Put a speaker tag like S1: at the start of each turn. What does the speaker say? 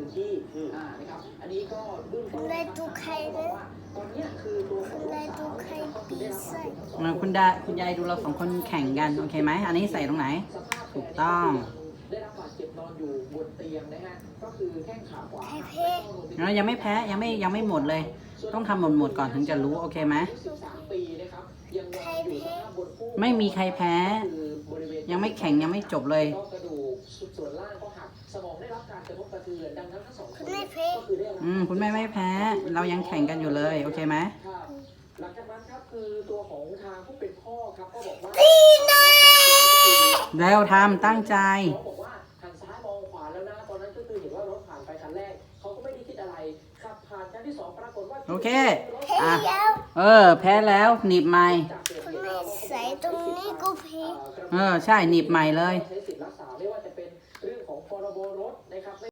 S1: ที่นะครับอันนี้ก็เบื้องต้นบอกว่าตอนนี้คือตัวของลูกสาวเขาคือได้รับบาดเจ็บทั้งสอง
S2: คุณยายดูเรา2 คนแข่งกันโอเคไหมอันนี้ใส่ตรงไหนถูกต้อง
S1: ได้รับบาดเจ็บนอนอยู่บนเตียงนะฮะก็คือแข้งขาขวา
S2: เรายังไม่แพ้ยังไม่หมดเลยต้องทำหมดก่อนถึงจะรู้โอเคไหมไม่มีใครแพ้ยังไม่แข่งยังไม่จบเลย
S1: กระดูกส่วนล่างก็หักสมองได้รับการกระทบกระเทือนดังนั้นทั้งสองคน
S2: คุณแม่ไม่แพ้เรายังแข่งกันอยู่เลยโอเคไหม
S1: หลังจากนั้นครับคือตัวของทางผู้เป็นพ่อครับก็บอกว่า
S2: แล้วทำตั้งใจ
S1: บอกว่าหันซ้ายมองขวาแล้วนะตอนนั้นก็คือเห็นว่ารถผ่านไปคันแรกเขาก็ไม่ได้คิดอะไรขับผ่านคันที่2ปรากฏว่า
S2: โอเคแพ้แล้วหนีบใหม่
S3: คุณแม่ใส่ตรงนี้ก็แพ้
S2: ใช่หนีบใหม่เลย
S1: ใช้